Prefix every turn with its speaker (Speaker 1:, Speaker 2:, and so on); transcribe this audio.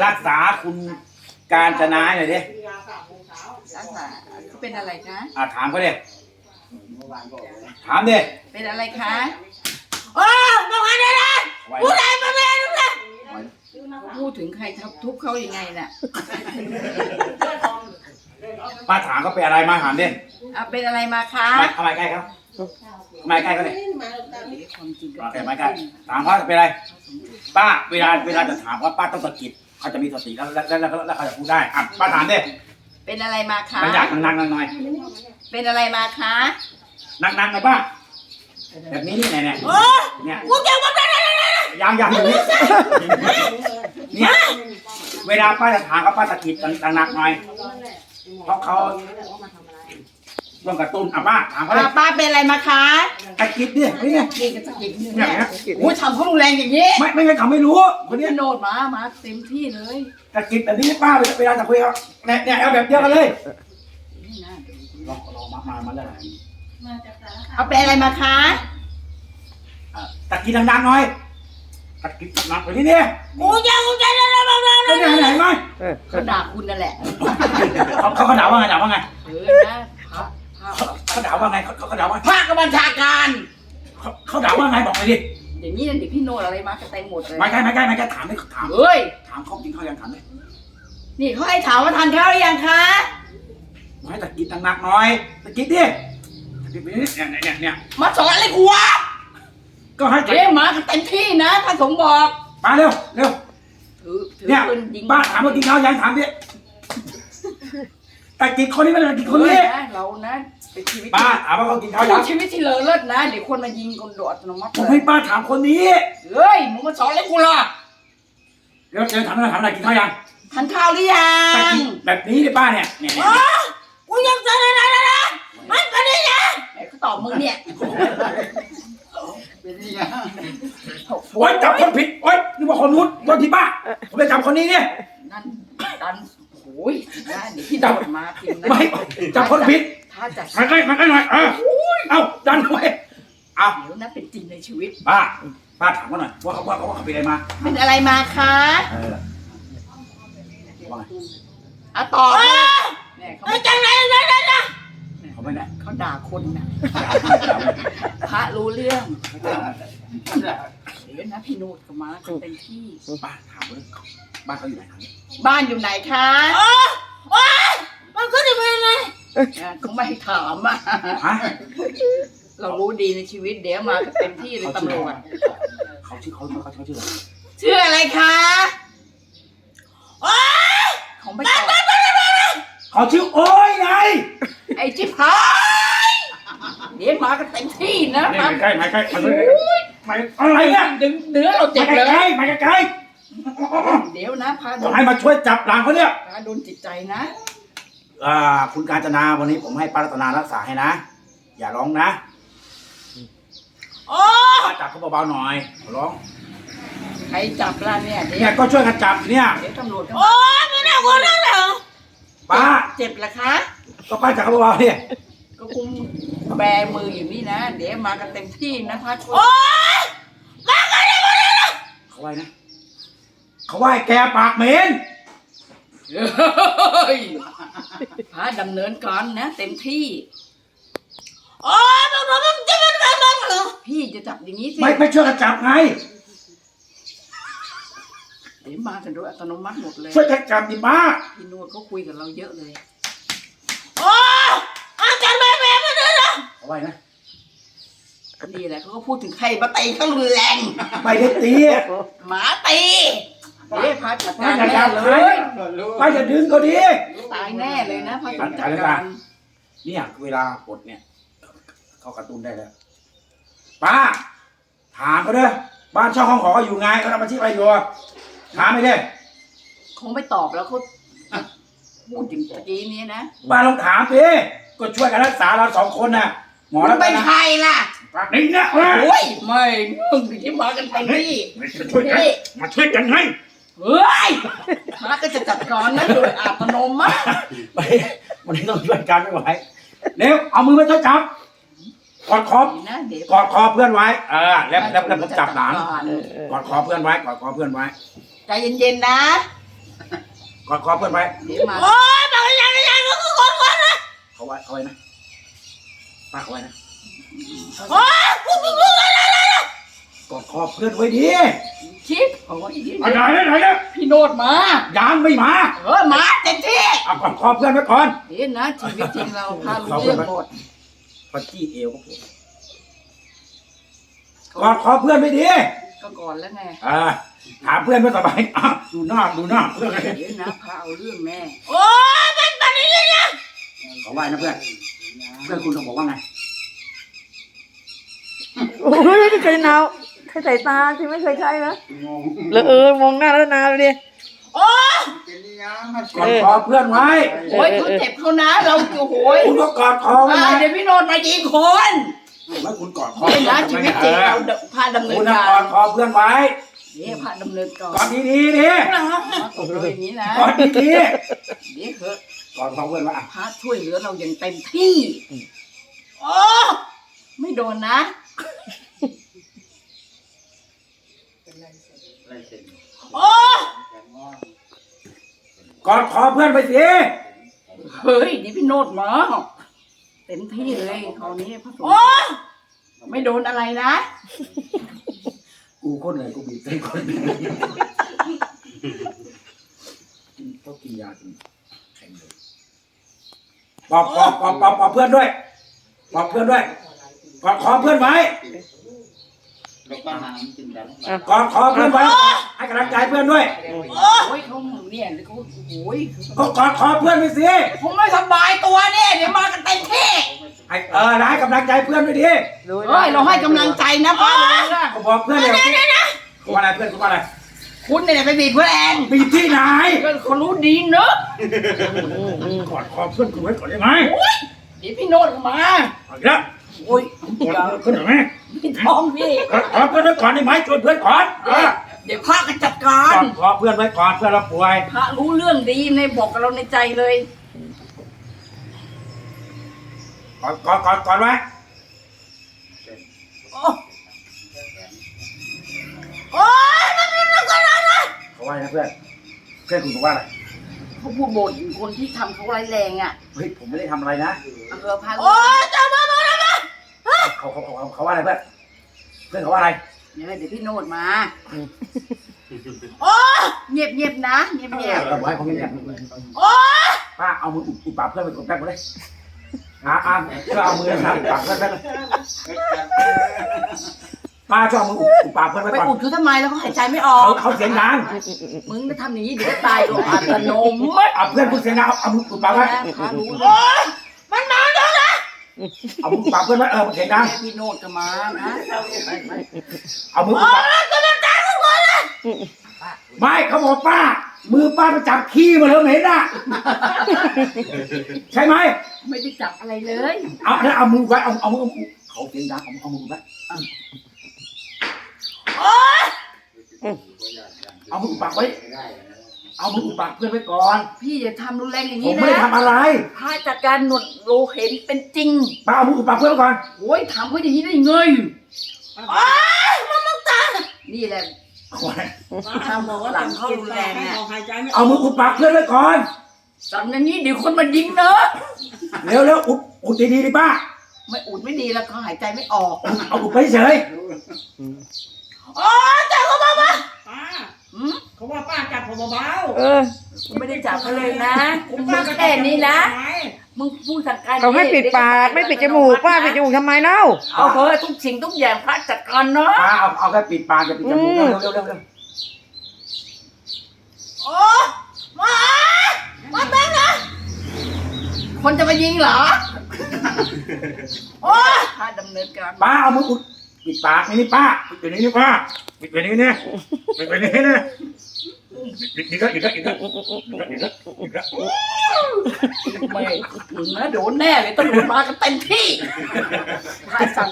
Speaker 1: รักษาคุณการจนาหน่อยดิ
Speaker 2: รักษาเขาเป็นอะไรคะ
Speaker 1: ถามเขาดิถามดิ
Speaker 2: เป็นอะไรคะโอ้บอกอะไรนะพูดอะไรมาเลยลูกนะพูดถึงใครทุบเขายังไงน่ะ
Speaker 1: ป้าถามเขาเป็นอะไรมาถามดิ
Speaker 2: เป็นอะไรมาคะ
Speaker 1: ทำไมใกล้ครับทำไมใกล้เขาเนี่ยแต่ไม่ใกล้ถามเขาเป็นอะไรป้าเวลาจะถามว่าป้าต้องสะกิดเขาจะมีสติแล้วเขาจะพูดได้ป้าถามดิ
Speaker 2: เป็นอะไรมาคะ
Speaker 1: มันอยากนั่งหน่อย
Speaker 2: เป็นอะไรมาคะ
Speaker 1: นั่งหน่อยป้าแบบนี้นี่เนี่ยกูเกี่ยวกับยังอยู่นี่เนี่ยเวลาป้าจะถามเขาป้าสะกิดหนักหน่อยเพราะเขาต้องกระตุ้นป้าถามเขาเลย
Speaker 2: ป้าเป็นอะไรมาคะ
Speaker 1: สะกิดดิเนี่ย
Speaker 2: สะกิดเนี่ยโอ้ยทำเขารุนแรงอย่างนี้
Speaker 1: ไม่งั้นเขาไม่รู้คนนี้
Speaker 2: โนดมาเต็มที่เลย
Speaker 1: สะกิดแบบนี้ป้าเวลาจะคุยเขาเนี่ยเอาแบบเดียวกันเลยลองมาแล้ว
Speaker 2: เป็นอะไรมาคะ
Speaker 1: ตะกินดังๆหน่อยตะกินหนักไปที่นี่
Speaker 2: กูจะ
Speaker 1: ไหนไหม
Speaker 2: เขาด่าคุณนั่นแหละ
Speaker 1: เขาด่าว่าไงนะเขาด่าว่าไงเขาด่าว่า
Speaker 2: ภาคบัญชาการ
Speaker 1: เขาด่าว่าไงบอกไปดิ
Speaker 2: อย่างนี้เด็กพี่โนอะไรมากันเต็มหมดเลย
Speaker 1: ไม่ใช่ถามไม่ถามถามเขากินข้าวยังถามเลย
Speaker 2: นี่เขาให้ถามว่าทานข้าวหรือยังคะ
Speaker 1: ให้ตะกินหนักหน่อยตะกินดิเนี่ย
Speaker 2: มาสอนอะไรกูวะ
Speaker 1: ก็ให้
Speaker 2: เดี๋ยวมากันเต็มที่นะท่านสมบอก
Speaker 1: มาเร็วเนี่ยบ้านถามว่ากินข้าวยังถามดิตะกินคนนี้มันตะกินคนนี้
Speaker 2: เรานะเป็นชีวิต
Speaker 1: ป้าถามว่าเขากินข้าวยัง
Speaker 2: ชีวิตที่เลอเลิศนะเดี๋ยวคนมายิงคนโดดอัตโนมัติ
Speaker 1: ผมให้ป้าถามคนนี้
Speaker 2: เฮ้ยมึงมาสอนอะไรกูล่ะ
Speaker 1: เดี๋ยวถามอะไรกินข้าวยัง
Speaker 2: ทานข้าวหรือยัง
Speaker 1: แบบนี้ดิป้าเนี่ย
Speaker 2: กูยังเจออะไรมันก็นี่นะเขาตอบมึงเนี่ย
Speaker 1: โอ๊ยจับคนผิดโอ๊ยนี่ว่าคนนู้นคนที่ป้าผมไปจับคนนี้เนี่ย
Speaker 2: นั่นดันโอ้ยนะเดี๋ยวพี่จับมาจริงนะ
Speaker 1: ไม่จับคนผิด
Speaker 2: ถ้าจับ
Speaker 1: มันก็หน่อยเอาดันไว้
Speaker 2: เดี๋ยวนะเป็นจริงในชีวิต
Speaker 1: ป้าถามเขาหน่อยว่าเขาเป็นอะไรมา
Speaker 2: เป็นอะไรมาคะตอบเนี่ยเขาจังไรนะ
Speaker 1: เขาไม่ได้
Speaker 2: เขาด่าคนนะพระรู้เรื่องเดี๋ยวนะพี่โนดก็มาเต็มที่
Speaker 1: ป้าถามว่าบ้านเขาอยู่ไหน
Speaker 2: บ้านอยู่ไหนคะมันก็จะเป็นไงเขาไม่ให้ถามเรารู้ดีในชีวิตเดี๋ยวมาเต็มที่เลยตำรวจ
Speaker 1: เขาชื่ออะไร
Speaker 2: ชื่ออะไรคะเขาไม่ตอบ
Speaker 1: เขาชื่อโอ้ยไง
Speaker 2: ไอ้จิ๊บหายเดี๋ยวมากันเต็มที่นะ
Speaker 1: ไม่ใกล้อะไรเนี่ย
Speaker 2: ดึงเนื้อเราเจ็บเลย
Speaker 1: ไม่ใกล้
Speaker 2: เดี๋ยวนะพา
Speaker 1: ให้มาช่วยจับหลังเขาเนี่ย
Speaker 2: พาโดนจิตใจนะ
Speaker 1: คุณกาญจนาวันนี้ผมให้ป้ารัตนารักษาให้นะอย่าร้องนะป้าจับเขาเบาๆหน่อยร้อง
Speaker 2: ใครจับล่ะเนี่ย
Speaker 1: ก็ช่วยกันจับเนี่ย
Speaker 2: เดี๋ยวตำรวจไม่น่ากลัวนั่นเหรอ
Speaker 1: ป้า
Speaker 2: เจ็บละคะ
Speaker 1: ก็ป้าจับเขาเบาๆเนี่ย
Speaker 2: ก็คุมแบมืออยู่นี่นะเดี๋ยวมากันเต็มที่นะพาช่วย
Speaker 1: มากันเลยเขาไหวนะเขาไหวแกปากเหม็น
Speaker 2: พาดำเนินการนะเต็มที่พี่จะจับอย่างนี้สิ
Speaker 1: ไม่ช่วยกันจับไง
Speaker 2: เดี๋ยวมากันโดยอัตโนมัติหมดเลย
Speaker 1: ช่วยกันจับดิป้า
Speaker 2: พี่นวดเขาคุยกับเราเยอะเลย
Speaker 1: อาจารย์แม่มาด้วยนะเอาไว้นะ
Speaker 2: นี่แหละเขาก็พูดถึงใครมาตีเขารุนแรง
Speaker 1: ไม่ได้ตี
Speaker 2: หมาตีพาจัดการแน่เลย
Speaker 1: ป้าจะดึงก็ดี
Speaker 2: ตายแน่เลยนะพาจัดการ
Speaker 1: เนี่ยเวลากดเนี่ยเขากระตุ้นได้แล้วป้าถามเขาด้วยบ้านเช่าห้องหออยู่ไงเขาทำอาชีพอะไรอยู่ถามไม่ได้
Speaker 2: คงไม่ตอบแล้วเขาพูดถึงตะกี้นี้นะ
Speaker 1: ป้าลองถามสิก็ช่วยกันรักษาเราสองคนน่ะหมอแล้ว
Speaker 2: เป็นใครล่ะ
Speaker 1: นี่นะ
Speaker 2: โอ้ยไม่มึงที่มากันไปนี่
Speaker 1: มาช่วยกันให้
Speaker 2: เฮ้ยมาก็จะจัดการนะโดยอัตโนมัติ
Speaker 1: ไปวันนี้ต้องช่วยกันไม่ไหวเร็วเอามือมาช่วยจับกอดคอเพื่อนไว้แล้วผมจับหลังกอดคอเพื่อนไว้
Speaker 2: ใจเย็นๆนะ
Speaker 1: อดคอเพื่อนไว้
Speaker 2: เดี๋ยวมาโอ้ยบอกยังก็คือกอดคอนะ
Speaker 1: เขาไว้นะป้าเขาไว้นะ
Speaker 2: โอ้ยกู
Speaker 1: กอดคอเพื่อนไว้ดี
Speaker 2: ชิปโอ้ย
Speaker 1: ไหนเนี่ย
Speaker 2: พี่โนดมา
Speaker 1: ยังไม่มา
Speaker 2: มาเต็มที่
Speaker 1: เอากอดคอเพื่อนไว้ก่อน
Speaker 2: เห็นนะชีวิตจริงเราพาลูกเรื่องหมด
Speaker 1: พอจี้เอวก็ปวดกอดคอเพื่อนไว้ดี
Speaker 2: ก็ก่อนแล้วไง
Speaker 1: ถามเพื่อนว่าสบายดูหน้าเพื่อน
Speaker 2: เดี๋ยวนะพาเอาเรื่องแม่โอ้ยเป็นอย่างนี้นะ
Speaker 1: เขาไหว้นะเพื่อนคุณต้องบอกว่าไง
Speaker 3: โอ้ยไม่เคยเนาเคยใส่ตาที่ไม่เคยใช่นะแล้วมองหน้าแล้วนาดูดิ
Speaker 2: โอ้ย
Speaker 1: กอดคอเพื่อนไว้
Speaker 2: โอ้ยเขาเจ็บเขานะเราโอ้ย
Speaker 1: คุณก็กอดคอไว้นะ
Speaker 2: เดี๋ยวพี่โนดมายิงคน
Speaker 1: แล้วคุณกอดคอ
Speaker 2: เห็นนะชีวิตจริงเราพาดำเนิ
Speaker 1: คุ
Speaker 2: น
Speaker 1: ณ
Speaker 2: กา
Speaker 1: กอ
Speaker 2: ร
Speaker 1: ดคอเพื่อนไว้
Speaker 2: เนี่ยพาดำเนินก่อน
Speaker 1: กอดดีๆดิ
Speaker 2: ตกเลยอย่างนี้นะ
Speaker 1: กอดดี
Speaker 2: เดี๋ยวเถอะ
Speaker 1: ๆกอดคอเพื่อนไว้
Speaker 2: พระช่วยเหลือเราอย่างเต็มที่โอ้ไม่โดนนะโอ้
Speaker 1: กอดคอเพื่อนไปสิ
Speaker 2: เฮ้ยนี่พี่โนดมาเต็มที่เลยคราวนี้พระสงฆ์ไม่โดนอะไรนะ
Speaker 1: กูคนไหนกูบีบใจคนต้องกินยาจนแข็งเลยปอบเพื่อนด้วยปอบเพื่อนด้วยกอดคอเพื่อนไว้กอดคอเพื่อนไว้ให้กำลังใจเพื่อนด้วย
Speaker 2: โอ้ยเขาเนี่ยเขาโอ้ย
Speaker 1: ก็กอดคอเพื่อนไปสิ
Speaker 2: ผมไม่สบายตัวเนี่ยเดี๋ยวมากันเต็มที่
Speaker 1: ให้ให้กำลังใจเพื่อนด้วยดิ
Speaker 2: เฮ้ยเราให้กำลังใจนะพ่อ
Speaker 1: ก็บอกเพื่อนเลยว่าอะไรเพื่อนว่าอะไร
Speaker 2: คุณเนี่ยไปบีบเพื่อนแอน
Speaker 1: บีบที่ไหน
Speaker 2: เขารู้ดีเนอะ
Speaker 1: กอดคอเพื่อนกูไว้ก่อนได้ไหม
Speaker 2: เดี๋ยวพี่โนดมา
Speaker 1: เอาอีกแล้ว
Speaker 2: โอ้ย
Speaker 1: กอดเพื่อนหน่อยไหม
Speaker 2: พี่ท้องพี่
Speaker 1: กอดเพื่อนไว้ก่อนได้ไหมชวนเพื่อนก่อน
Speaker 2: เดี๋ยวพระกันจัดการ
Speaker 1: กอดคอเพื่อนไว้ก่อนเพื่อนเราป่วย
Speaker 2: พระรู้เรื่องดีในบอกกับเราในใจเลย
Speaker 1: กอดไว้
Speaker 2: โอ้โอ้ยมันเป็นอะไรกันนะ
Speaker 1: เขาว่าไงเพื่อนคุณบอกว่าอะไร
Speaker 2: เขาพูดบ่นคนที่ทำเขาไร้แรงอ่ะ
Speaker 1: เฮ้ยผมไม่ได้ทำอะไรนะ
Speaker 2: พาโอ้ยจะมาแล้วนะ
Speaker 1: เขาว่าอะไรเพื่อนเขาว่าอะไร
Speaker 2: เดี๋ยวพี่โนดมาโอ้เงียบนะเงียบ
Speaker 1: เราบอกให้เขาเงียบ
Speaker 2: โอ้
Speaker 1: ป้าเอามืออุดปากเพื่อนไปกดแป๊บเลยช่วยเอามือนะครับอุดปากเพื่อนแป๊บป้าช่วยเอามืออุดปากเพื่อนไป
Speaker 2: ไป
Speaker 1: ก่อน
Speaker 2: อุดเขาทำไมแล้วเขาหายใจไม่ออก
Speaker 1: เขาเสียงดัง
Speaker 2: มึงจะทำอย่างนี้เดี๋ยวตายโดยอัตโนมัติ
Speaker 1: เอาเพื่อนพูดเสียงดังเอามืออุดปากไว้
Speaker 2: พารู้โอ้ยมันมาแล้วนะ
Speaker 1: เอามืออุดปากเพื่อนไว้มันเสียงดัง
Speaker 2: พี่โนดก็มานะ
Speaker 1: เอามืออุดปากไม่เขาบอกป้ามือป้าไปจับขี้มาแล้วเห็นอ่ะใช่ไหม
Speaker 2: ไม่ได้จับอะไรเลย
Speaker 1: เอามือไว้เอามือเขาเสียงดังเอามือไว้
Speaker 2: โอ้ย
Speaker 1: เอามืออุดปากไว้เอามืออุดปากเพื่อนไว้ก่อน
Speaker 2: พี่อย่าทำรุนแรงอย่าง
Speaker 1: ผ
Speaker 2: นี้
Speaker 1: ม
Speaker 2: นะ
Speaker 1: ไม่ได้ทำอะไร
Speaker 2: พาจัดการหนวดโลเห็นเป็นจริง
Speaker 1: ป้าเอามืออุดปากเพื่อนไว้ก่อน
Speaker 2: โอ้ยทำเขาอย่างนี้ได้ไงโอ้ยมันตายนี่แหละ
Speaker 4: ทำบอกว่าหลังเข้ารุนแรงเนี่ย
Speaker 1: เอามืออุดปากเพื่อนไว้ก่อน
Speaker 2: สั่งอย่างนี้เดี๋ยวคนมายิงเนอะ
Speaker 1: เร็วอุดดีๆดิป้า
Speaker 2: ไม่อุดไม่ดีแล้วเขาหายใจไม่ออก
Speaker 1: เอาอุดไปเฉย
Speaker 2: โอ้ยจับเขามา
Speaker 4: ป้า
Speaker 2: หืม
Speaker 4: เขาว่าป้าจับผมเบา
Speaker 2: กูไม่ได้จับเขาเลยนะกูมาแค่นี้นะมึงพูดสั่งการ
Speaker 3: เขาให้ปิดปากไม่ปิดจมูกป้าปิดจมูกทำไมเล่า
Speaker 2: เอาเถอะทุกสิ่งทุกอย่างพระจัดการเนาะ
Speaker 1: ป้าเอาแค่ปิดปากจะปิดจมูกเร็ว
Speaker 2: โอ้มาแบงค์นะคนจะมายิงเหรอโอ้ยถ้าดำเนินการ
Speaker 1: ป้าเอามืออุดปิดปากนี่ป้าปิดไปนี่ป้าปิดไปนี่เนี่ยปิดไปนี่เนี่ยอีกแล้ว
Speaker 2: ไม่มึงนะโดนแน่เลยตำรวจมากันเต็มที่ถ้าสั่ง